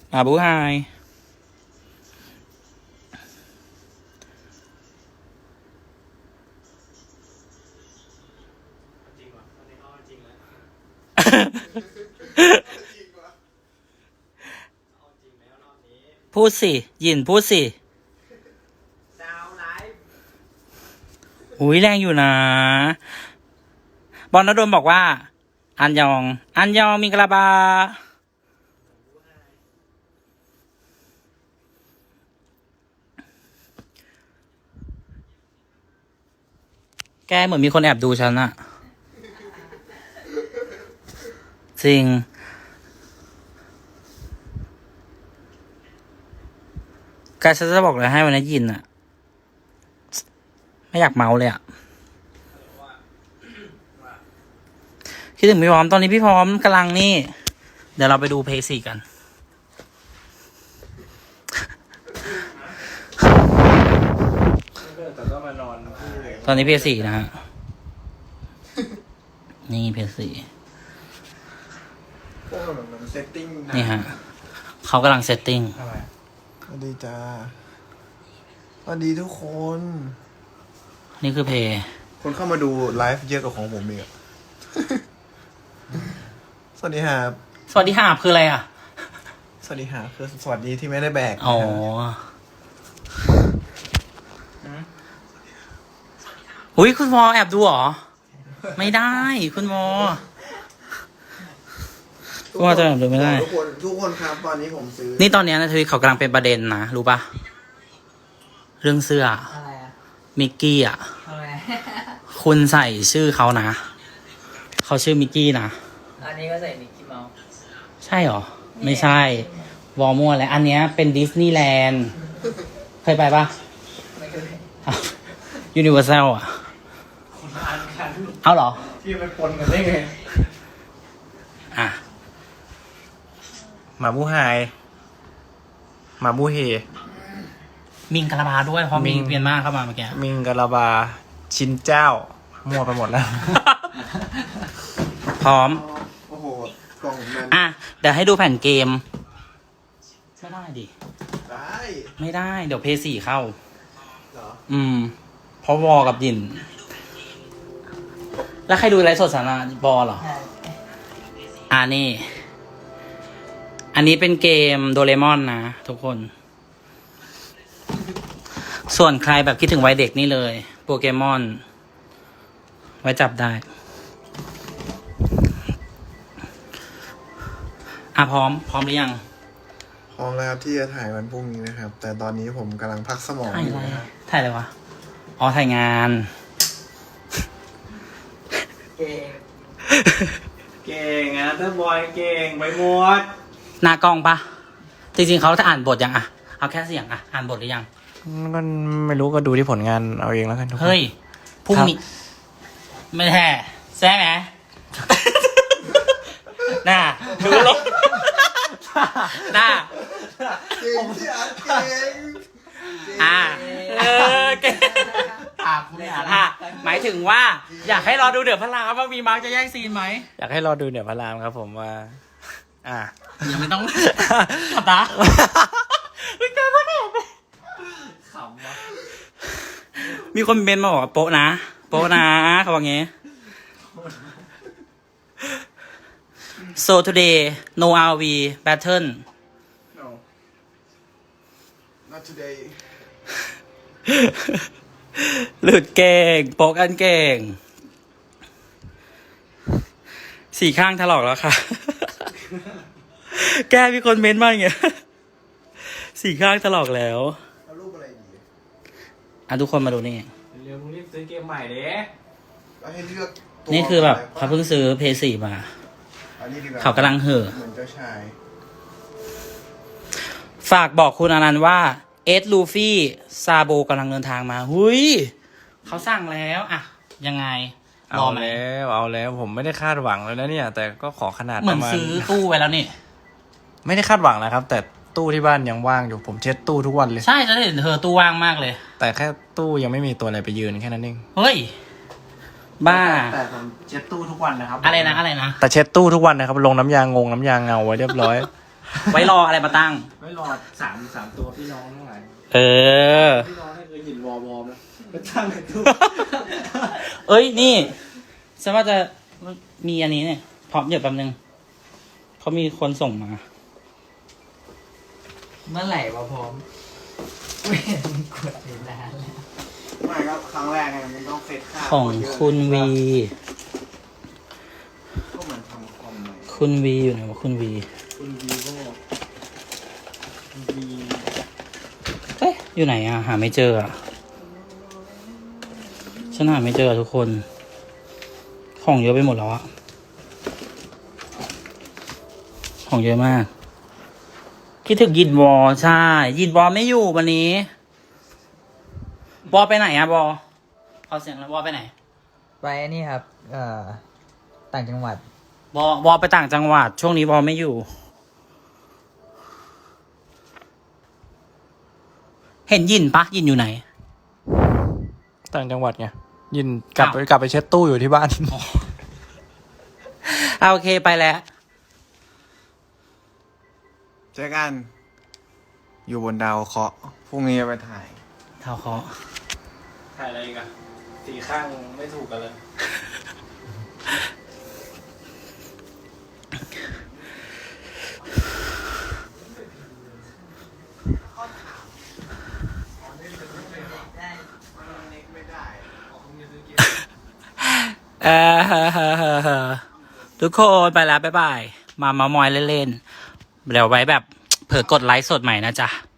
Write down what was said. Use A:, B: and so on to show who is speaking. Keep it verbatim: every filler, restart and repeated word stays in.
A: อาบูไฮพูดสิยินพูดสิอุ้ยแรงอยู่นะบอลนดลบอกว่าอันยองอันยองมิงกลาบาแกเหมือนมีคนแอบดูฉันอะจริงแกฉันจะบอกเลยให้วันนี้ยินอะไม่อยากเมาเลยอะคิดถึงพี่พร้อมตอนนี้พี่พร้อมกำลังนี่เดี๋ยวเราไปดูเพย์สี่กันตอนนี้เพย์สี่นะฮะนี่เพย์สี่นี่ฮะเขากำลังเซตติ้ง
B: สวัสดีจ้าสวัสดีทุกคน
A: นี่คือเพย์
B: คนเข้ามาดูไลฟ์เยอะกว่าของผมอีกอะสวัสดีครับ
A: สวัสดีหาบคืออะไรอ่ะ
B: สวัสดีครับคือสวัสดีที่ไม่ได้แบก
A: อ๋ออุ้ยคุณวอแอบดูเหรอ ไม่ได้คุณวอคุณวอจะแอบดูไม่ได้
B: ทุกคนทุกคนครับตอนนี้ผมซื้อ
A: นี่ตอนนี้นะทวีตเขากำลังเป็นประเด็นนะรู้ปะเรื่องเสื้ออะไรอะมิกกี้อ่ะคุณใส่ชื่อเขานะเขาชื่อมิกกี้นะ
C: อันนี้ก็ใส่มิกกี้เมาส์
A: ใช่หรอไม่ใช่วอร์มัวอะไรอันเนี้ยเป็นดิสนีย์แลนด์เคยไปปะ
C: ไม่เคย
A: ยูนิเวอร์แซลอ่ะ
C: คนละอันกัน
A: เอาเหรอ
C: ที่ไปปนกันได้ไง
A: อ่ะ
B: หมาบูไฮหมาบูเฮ
A: มิงกะลาบาด้วยเพราะมิงเปลี่ยนมากเข้ามาเมื่อกี้
B: มิงกะลาบาชินเจ้ามั่วไปหมดแล้ว
A: พร้อม
B: โอ้โหกล่องนั้น
A: อ่ะเดี๋ยวให้ดูแผ่นเกมไม่ได้ดิ
B: ได้
A: ไม่ได้เดี๋ยวเพย์สี่เข้า
B: เหรอ
A: อืมเพราะวอกับยินแล้วใครดูไลฟ์สดสาระบอเหรออ่านี่อันนี้เป็นเกมโดเรมอนนะทุกคนส่วนใครแบบคิดถึงวัยเด็กนี่เลยโปเกมอนไว้จับได้อ่ะพร้อมพร้อมหรือยัง
B: พร้อมแล้วที่จะถ่ายวันพรุ่งนี้นะครับแต่ตอนนี้ผมกำลังพักสมอง
A: ถ่ายอะไรถ่ายอะไรวะอ๋อถ่ายงาน
C: เก่งเก่งอ่ะเตอร์บอยเก่งไปหมด
A: หน้ากล้องปะจริงๆเขาจะอ่านบทยังอ่ะเอาแค่เสียงอ่ะอ่านบทหรือยัง
B: ก็ไม่รู้ก็ดูที่ผลงานเอาเองแล้วกันทุกคน
A: เฮ้ยพรุ่งนี้ไม่แท้ใช่ไหมน่าดูลงน่า
B: เก่งที่อ่านเก่ง
A: อ่าเออเก่งอ่าอ่าหมายถึงว่าอยากให้รอดูเดือดพระรามว่ามีมาร์กจะแย่งซีนไหม
B: อยากให้รอดูเดือดพระรามครับผมว่าอ่า
A: ยังไม่ต้องขับตาไม่กล้าไม่กล้าขำวะมีคนเมนมาบอกโป๊ะนะโป๊ะนะเขาบอกงี้ so today no อาร์ วี battle
B: no not today
A: หลุดเก่งโป๊ะกันเก่งสี่ข้างถลอกแล้วค่ะแกมีคนเม้นต์มาอย่างเงี้ยสี่ข้างถลอกแล้ว
B: เอารูปอะไรดี
A: อ่ะทุกคนมาดูนี่
C: เร็วมึงรีบซื้อเกมใหม่เด้
B: ให้เลือก
A: นี่คือแบบเขาเพิ่งซื้อเพย์สี่มาเขากำลังเห่อ
B: เหมือนเจ้าชาย
A: ฝากบอกคุณอนันต์ว่าเอสลูฟี่ซาโบกำลังเดินทางมาหุยเขาสั่งแล้วอ่ะยังไง
B: เอาแล้วเอาแล้วผมไม่ได้คาดหวังเลยนะเนี่ยแต่ก็ขอขนาด
A: เหมือนซื้อตู้ไว้แล้วนี่
B: ไม่ได้คาดหวังนะครับแต่ตู้ที่บ้านยังว่างอยู่ผมเช็ดตู้ทุกวันเลย
A: ใช่จะเห็นเธอตู้ว่างมากเลย
B: แต่แค่ตู้ยังไม่มีตัวอะไรไปยืนแค่นั้นเอง
A: เฮ้ยบ้า
C: แต่ผมเช็ดตู้ทุกวันนะครับ
A: อะไรนะอะไรนะ
B: แต่เช็ดตู้ทุกวันนะครับลงน้ำยางงงน้ำยางเงาไว้เรียบร้อย
A: ไว้รออะไรมาตั้ง
C: ไม่รอสามสามตัวพี่น้องทั้งหลาย
A: เออ
C: พี่น้องให้เคยหินวอลวอลนะก็ตั้งในตู้
A: เอ้ยนี่ฉันว่าจะมีอันนี้เนี่ยพร้อมเดี๋ยวแป๊บนึงเขามีคนส่งมา
D: เมื่อไหร่วะพร้อมไม่เห็นกดอยู่นานแล้ว
C: ไม่ครับครั้งแรกไงมันต้องเซตค่า
A: ของคุณวี
C: ก็เหมือนทำคอมใหม่
A: คุณวีอยู่ไหนวะคุณวี
C: คุณวีโก้คุณวี
A: เอ๊ะอยู่ไหนอะหาไม่เจออะฉันหาไม่เจอทุกคน ของเยอะไปหมดแล้วอะของเยอะมากคิดถึงยินวอใช่ ยินวอไม่อยู่วันนี้วอไปไหนอะวอเอาเสียงแล้ววอไปไหน
D: ไปนี่ครับ เอ่อ ต่างจังหวัด
A: วอวอไปต่างจังหวัด ช่วงนี้วอไม่อยู่ เห็นยินปะยินอยู่ไหน
B: ต่างจังหวัดไงยินกลับไป
A: อ้าว
B: กลับไปเช็ดตู้อยู่ที่บ้าน
A: เอาโอเคไปแล้ว
C: เจอกัน อยู่บนดาวเคราะห์พรุ่งนี้จะไปถ่าย
A: เท่าเขา
C: ถ่ายอะไรกันสีข้างไม่ถูกกันเลย
A: เออทุกคนไปแล้วบ๊ายบาย มาเมามอยเล่นๆ เดี๋ยวไว้แบบ เผื่อกดไลค์สดใหม่นะจ๊ะ